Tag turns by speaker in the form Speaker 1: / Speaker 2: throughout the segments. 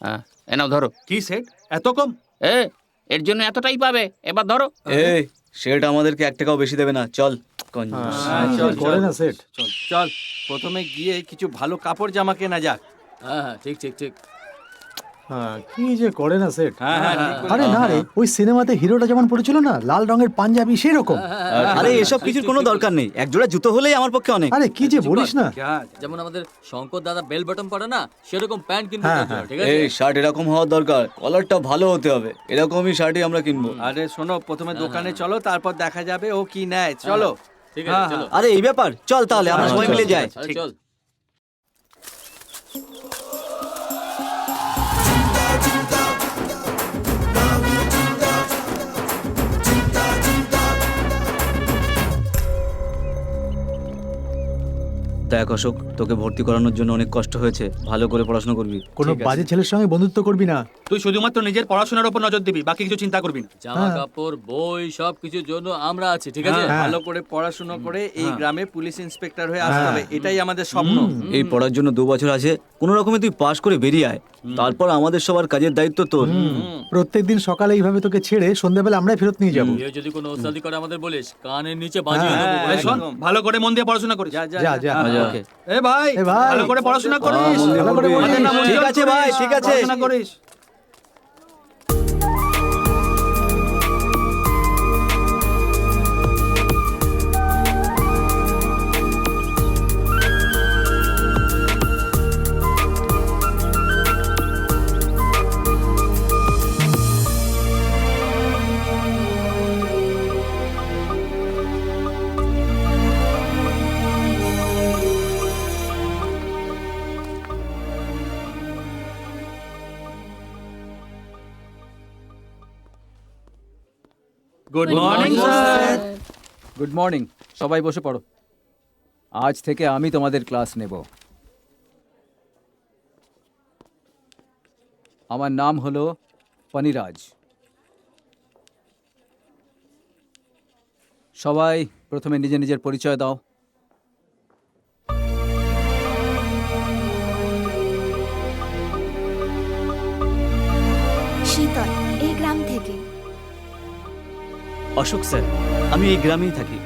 Speaker 1: হ্যাঁ এ নাও ধরো।
Speaker 2: কি সেট এত কম?
Speaker 1: এর জন্য এতটাই পাবে, এবার ধরো।
Speaker 3: এই সেট আমাদেরকে 1 টাকাও বেশি দেবে না, চল। কঞ্জুস।
Speaker 2: চল
Speaker 4: করে না সেট।
Speaker 2: চল চল, প্রথমে গিয়ে কিছু ভালো কাপড় জামা কেনা যাক।
Speaker 5: হ্যাঁ ঠিক ঠিক ঠিক।
Speaker 4: হ্যাঁ কি যে করে না সেট।
Speaker 2: হ্যাঁ হ্যাঁ ঠিক বলেছিস।
Speaker 4: আরে না রে, ওই সিনেমাতে হিরোটা যেমন পড়েছিল না লাল রঙের পাঞ্জাবি সেই রকম।
Speaker 3: আরে এসব কিছুর কোনো দরকার নেই, এক জোড়া জুতো হলেই আমার পক্ষে অনেক।
Speaker 4: আরে কি যে বলিস না।
Speaker 2: क्या?
Speaker 5: যেমন আমাদের শঙ্কর দাদা বেল বটম পরে না, সেরকম প্যান্ট কিনবো
Speaker 4: হ্যাঁ,
Speaker 5: তোর জন্য,
Speaker 4: হ্যাঁ।
Speaker 5: ঠিক আছে?
Speaker 3: এই শার্ট এরকম হওয়ার দরকার, কলারটা ভালো হতে হবে, এরকমই শার্টই আমরা কিনবো।
Speaker 2: আরে শোনো, প্রথমে দোকানে চলো, তারপর দেখা যাবে ও কি নেয়। চলো।
Speaker 5: ঠিক
Speaker 2: হ্যাঁ,
Speaker 5: আছে, চলো।
Speaker 3: আরে এই ব্যাপার, চল তাহলে আমরা সবাই মিলে যাই।
Speaker 5: আরে চল।
Speaker 3: দেখ অশোক, তোকে ভর্তি করানোর জন্য অনেক কষ্ট হয়েছে, ভালো করে পড়াশোনা করবি।
Speaker 4: কোনো বাজে ছেলের সঙ্গে বন্ধুত্ব করবি না।
Speaker 2: তুই শুধুমাত্র নিজের পড়াশোনার উপর নজর দিবি, বাকি কিছু চিন্তা করবি না।
Speaker 5: জামা কাপড় বই সব কিছুর জন্য আমরা আছি, ঠিক আছে?
Speaker 4: হ্যাঁ।
Speaker 2: ভালো করে পড়াশোনা করে এই গ্রামে পুলিশ ইন্সপেক্টর হয়ে আসতে হবে, এটাই আমাদের স্বপ্ন।
Speaker 3: এই পড়ার জন্য 2 বছর আছে, কোনো রকমে তুই পাশ করে বেরিয়ে আয়, তারপর আমাদের সবার কাজের দায়িত্ব তোর।
Speaker 4: প্রত্যেকদিন সকালে এইভাবে তোকে ছেড়ে সন্ধ্যাবেলা আমরাই ফেরত নিয়ে যাবো।
Speaker 5: কেউ যদি কোনো ওস্তাদি করে আমাদের বলিস, কানের নিচে বাজিয়ে
Speaker 4: হ্যাঁ,
Speaker 5: দেবো,
Speaker 2: এই
Speaker 5: বলে
Speaker 2: শোন,
Speaker 5: শোন।
Speaker 2: ভালো করে মন দিয়ে পড়াশোনা করিস।
Speaker 4: যা যা।
Speaker 3: ওকে।
Speaker 2: এ ভাই,
Speaker 4: এ ভাই,
Speaker 2: ভালো করে পড়াশোনা করিস।
Speaker 3: মন দিয়ে
Speaker 4: ভালো করে
Speaker 3: পড়বি।
Speaker 4: পড়িস।
Speaker 2: মাথার নাম
Speaker 3: ঠিক
Speaker 2: উজ্জ্বল
Speaker 3: আছে ভাই,
Speaker 2: করিস,
Speaker 3: ঠিক আছে।
Speaker 2: পড়াশোনা করিস। Good morning sir.
Speaker 6: Good morning, সবাই বসে পড়ো। আজ থেকে আমি তোমাদের ক্লাস নেব। আমার নাম হলো পনিরাজ। সবাই প্রথমে নিজে নিজের পরিচয় দাও।
Speaker 7: শীতল, এই গ্রাম থেকে।
Speaker 3: অশোক স্যার, আমি এই গ্রামেই থাকি।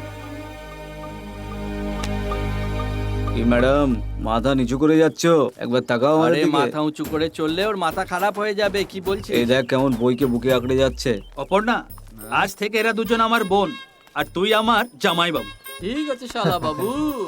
Speaker 3: কি ম্যাডাম, মাথা নিচু করে যাচ্ছ, একবার তাকাও আমার
Speaker 2: আরে
Speaker 3: দিকে।
Speaker 2: মাথা উঁচু করে চললে ওর মাথা খারাপ হয়ে যাবে, কি বলছিস?
Speaker 3: এই দেখ কেমন বইকে বুকে আঁকড়ে যাচ্ছে।
Speaker 2: অপর্ণা, আজ থেকে এরা দুজন আমার বোন, আর তুই আমার জামাই বাবু।
Speaker 5: ঠিক আছে শালা বাবু।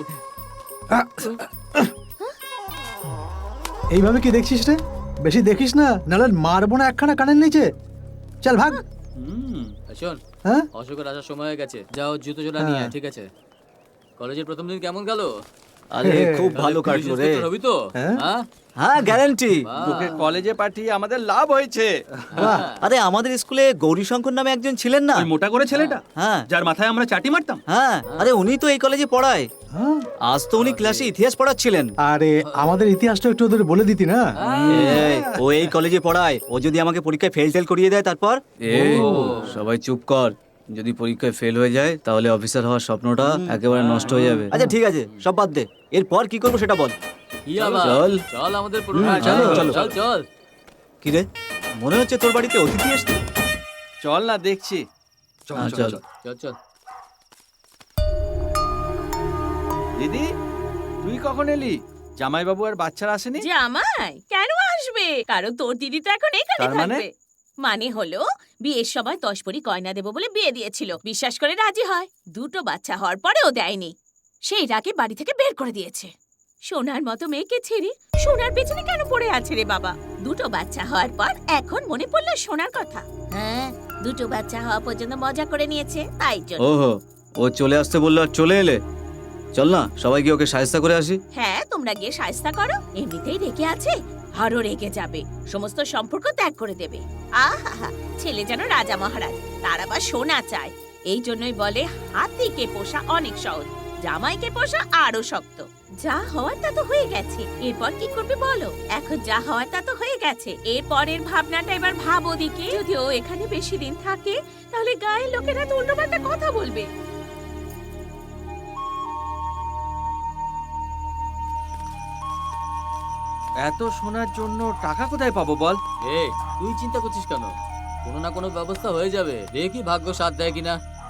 Speaker 4: এইভাবে কি দেখছিস রে? বেশি দেখিস না, নাহলে মারবো না একখানা কানের নিচে। চল ভাগ।
Speaker 5: শোন,
Speaker 4: হ্যাঁ
Speaker 5: অশোকের আসার সময় হয়ে গেছে, যাও জুতো জোড়া নিয়ে আয়, ঠিক আছে? কলেজের প্রথম দিন কেমন গেল?
Speaker 3: আরে খুব ভালো
Speaker 5: পুলিশ
Speaker 3: কাটলো রে।
Speaker 5: ইন্সপেক্টর হবি তো?
Speaker 4: হ্যাঁ?
Speaker 5: হ্যাঁ?
Speaker 3: হ্যাঁ, গ্যারান্টি।
Speaker 2: তোকে কলেজে পাঠিয়ে আমাদের লাভ হয়েছে।
Speaker 3: আরে আমাদের স্কুলে গৌরীশঙ্কর নামে একজন ছিলেন না?
Speaker 2: ওই মোটা করে ছেলেটা,
Speaker 3: হ্যাঁ
Speaker 2: যার মাথায় আমরা চাটি মারতাম।
Speaker 3: হ্যাঁ, আরে উনি তো এই কলেজে পড়ায়।
Speaker 4: হ্যাঁ।
Speaker 3: আজ তো উনি ক্লাসে ইতিহাস পড়াচ্ছিলেন।
Speaker 4: আরে আমাদের ইতিহাসটা একটু ওদের বলে দিতি না।
Speaker 3: এই, ও এই কলেজে পড়ায়, ও যদি আমাকে পরীক্ষায় ফেল টেল করিয়ে দেয় তারপর? এই সবাই চুপ কর, যদি পরীক্ষায় ফেল হয়ে যায় তাহলে অফিসার হওয়ার স্বপ্নটা একেবারে নষ্ট হয়ে যাবে। আচ্ছা ঠিক আছে, সব বাদ দে, এরপর কি করবো সেটা বল।
Speaker 5: কি আবার?
Speaker 3: চল।
Speaker 5: চল আমাদের পুরনো
Speaker 3: চলো, চলো।
Speaker 5: চল চল।
Speaker 3: কি রে, মনে হচ্ছে তোর বাড়িতে অতিথি এসছে।
Speaker 2: চল না, দেখছি।
Speaker 3: হ্যাঁ, চল।
Speaker 5: চল চল।
Speaker 2: দিদি, তুই কখন এলি? জামাই বাবু আর বাচ্চারা আসেনি?
Speaker 8: জামাই কেন আসবে? কারণ তোর দিদি তো এখন এখানে
Speaker 2: তার মানে?
Speaker 8: থাকবে। মানে হলো বিয়ের সময় 10 ভরি গয়না দেবো বলে বিয়ে দিয়েছিল, বিশ্বাস করে রাজি হয়। 2টো বাচ্চা হওয়ার পরেও দেয়নি, সেই রাগে বাড়ি থেকে বের করে দিয়েছে। সোনার মতো মেয়েকে ছেড়ে সোনার পেছনে কেন পড়ে আছে রে বাবা? 2টো বাচ্চা হওয়ার পর এখন মনে পড়লো সোনার কথা। হ্যাঁ, 2টো বাচ্চা হওয়া পর্যন্ত মজা করে নিয়েছে, তাই জন্য।
Speaker 3: ওহো, ও চলে আসতে বললো আর চলে এলে। চল না, সবাই গিয়ে ওকে সাহায্য করে আসি।
Speaker 8: হ্যাঁ, তোমরা গিয়ে সাজতা করো, এমনিতেই রেগে আছে, আরো রেগে যাবে, সমস্ত সম্পর্ক ত্যাগ করে দেবে। আহা, ছেলে যেন রাজা মহারাজ, তার আবার সোনা চায়। এই জন্যই বলে হাতিকে পোষা অনেক সহজ, জামাইকে পোষা আরো শক্ত। যা হওয়ার তা তো হয়ে গেছে, এরপর কি করবে বলো? এখন যা হওয়ার তা তো হয়ে গেছে, এরপরের ভাবনাটা এবার ভাব ওদিকে। যদি ও এখানে বেশি দিন থাকে তাহলে গায়ের লোকেরা তো উল্টোপাল্টা কথা বলবে।
Speaker 2: এত সোনার জন্য টাকা কোথায় পাবো বল?
Speaker 5: এ তুই চিন্তা করছিস কেন? কোনো না কোনো ব্যবস্থা হয়ে যাবে, দেখি ভাগ্য সাথ দেয় কিনা।